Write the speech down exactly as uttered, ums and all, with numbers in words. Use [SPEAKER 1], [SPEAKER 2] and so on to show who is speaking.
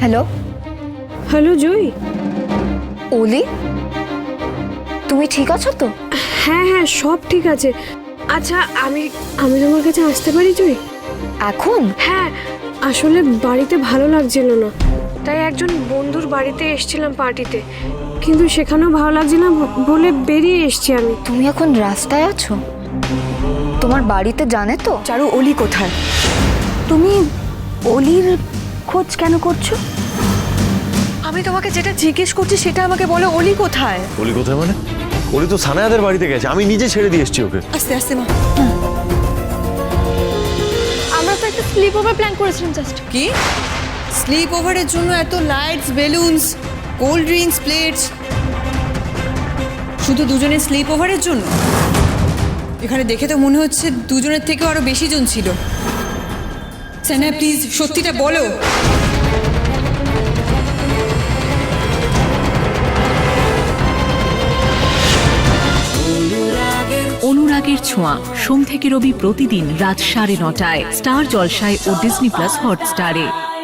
[SPEAKER 1] Hello
[SPEAKER 2] hello জুই।
[SPEAKER 1] ওলি, তুমি ঠিক আছো তো?
[SPEAKER 2] হ্যাঁ হ্যাঁ সব ঠিক আছে। আচ্ছা আমি আমি তোমার কাছে আসতে পারি জুই?
[SPEAKER 1] এখন?
[SPEAKER 2] হ্যাঁ, আসলে বাড়িতে ভালো লাগছিল না, তাই একজন বন্ধুর বাড়িতে এসেছিলাম পার্টিতে, কিন্তু সেখানেও ভালো লাগছে না বলে বেরিয়ে এসেছি আমি।
[SPEAKER 1] তুমি এখন রাস্তায় আছো? তোমার বাড়িতে জানে তো?
[SPEAKER 3] চারু, অলি কোথায়?
[SPEAKER 1] তুমি অলির খোঁজ কেন করছো?
[SPEAKER 3] আমি তোমাকে যেটা জিজ্ঞেস করছি সেটা আমাকে বলো, অলি কোথায়?
[SPEAKER 4] অলি কোথায় মানে? অলি তো সানায়াদের বাড়িতে গেছে, আমি নিজে ছেড়ে দিয়ে এসেছি ওকে।
[SPEAKER 3] আস্তে আস্তে মা।
[SPEAKER 5] আমরা তো একটা স্লিপ ওভার প্ল্যান করেছিলাম জাস্ট।
[SPEAKER 3] কি স্লিপ ওভারের জন্য এত lights, balloons, cold drinks, plates, শুধু দুজনের স্লিপ ওভারের জন্য? এখানে দেখে তো মনে হচ্ছে দুজনের থেকেও আরো বেশি জন ছিল। সানা প্লিজ সত্যিটা বলো।
[SPEAKER 6] অনুরাগের ছোঁয়া সোম থেকে রবি প্রতিদিন রাত সাড়ে নটায় স্টার জলসায় ও ডিজনি প্লাস হটস্টারে।